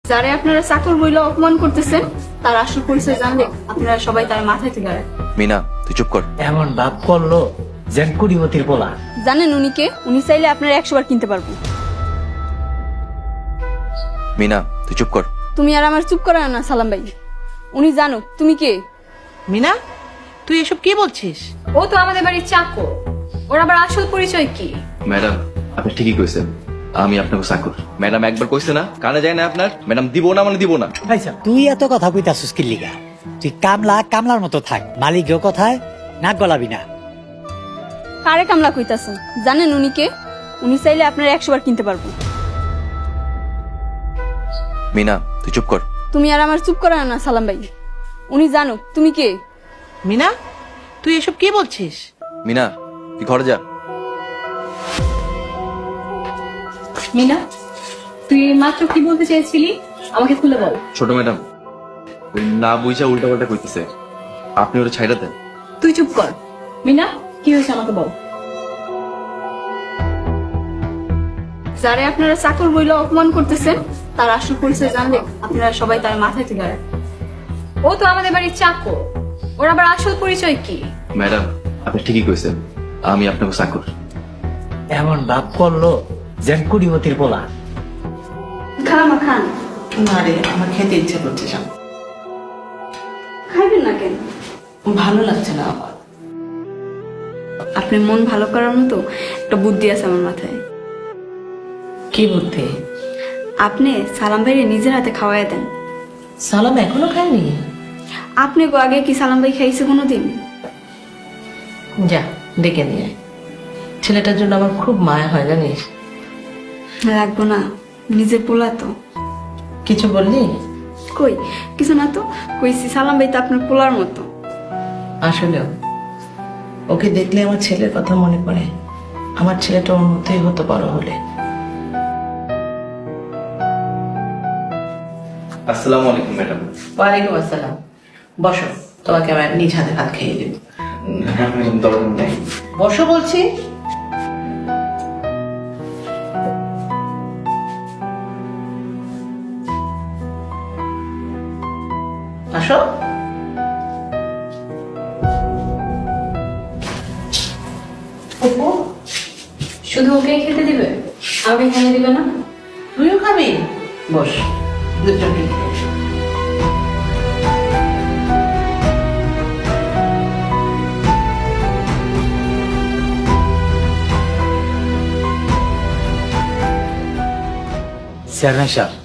যারা আপনারা চাকর বইলে অপমান করতেছেন তার আসল পরিচয় জানলে আপনারা সবাই তার মাথায় তুলে রাখেন। মিনা তুই চুপ কর। এমন ভাব করলো যেন কুড়িমতির পোলা। জানেন উনি কে? উনি চাইলে আপনারা 100 বার কিনতে পারবো। মিনা তুই চুপ কর। তুমি আর আমার চুপ করায় না সালাম ভাই। উনি জানো তুমি কে। মিনা, তুই এসব কি বলছিস? ও তো আমাদের বাড়ির চাকর। ওর আবার আসল পরিচয় কি? ম্যাডাম আপনি ঠিকই কইছেন, আমি আপনাকে চাকর। ম্যাডাম একবার কইছে না, কানে যায় না আপনার? ম্যাডাম দিব না মানে দিব না। ভাইসা তুই এত কথা কইতাছিস কি লিগা? তুই কামলার মতো থাক, মালিকের কথায় নাক গলাবি না। কারে কামলা কইতাছেন? জানেন উনি কে? উনি চাইলে আপনারা 100 বার কিনতে পারবো। মিনা তুই চুপ কর। তুমি আর আমার চুপ করায় না সালাম ভাই। উনি জানো তুমি কে। মিনা, তুই এসব কি বলছিস? মিনা তুই ঘরে যা। মিনা, তুই মাত্র কি বলতে চেয়েছিলি? আমাকে খুলে বল। ছোট ম্যাডাম ওই না বুঝা উল্টা পাল্টা কইতেছে, আপনি ওটা ছাইড়া দেন। তুই চুপ কর। মিনা, কি হয়েছে আমাকে বল। যারা আপনারা চাকর বইলে অপমান করতেছেন তার আসল পরিচয় জানলে আপনারা সবাই তার মাথায় তুলে রাখেন। ও তো আমাদের বাড়ির চাকর। ওর আবার আসল পরিচয় কি? ম্যাডাম আপনি ঠিকই কইছেন, আমি আপনাকে চাকর। এমন ভাব করলো যেন কুড়িমতির পোলা। খালামা খান। না রে, আমার খেতে ইচ্ছে করছে না। খাইবেন না কেন? ভালো লাগছে না আমার। আপনার মন ভালো করার মতো একটা বুদ্ধি আছে আমার মাথায়। কি বুদ্ধি? আপনি সালাম ভাইরে নিজের হাতে খাওয়াই দেন। সালাম এখনো খাইনি? আপনি গো আগে কি সালাম ভাই খাইছে কোনোদিন? যা ডেকে নিয়ে আয়। ছেলেটার জন্য আমার খুব মায়া হয় জানিস। লাগবো না, নিজের পোলা তো। কিছু বললি? কই কিছু না তো, কইছি সালাম ভাই তো আপনার পোলার মতো। আসলেও ওকে দেখলে আমার ছেলের কথা মনে পড়ে। আমার ছেলেটা ওর মতোই হতো বড় হলে। আসসালামু আলাইকুম ম্যাডাম। ওয়ালাইকুম আসসালাম। বসো, তোমাকে আমার নিজ হাতে ভাত খেয়ে দেব। দরকার নেই। বসো বলছি। আসো। শুধু ওকে খেতে দিবে, আমাকে খেতে দিবে না? তুইও খাবি? বস, দুজনকে খেয়ে নে। চেয়ারম্যান সাহেব,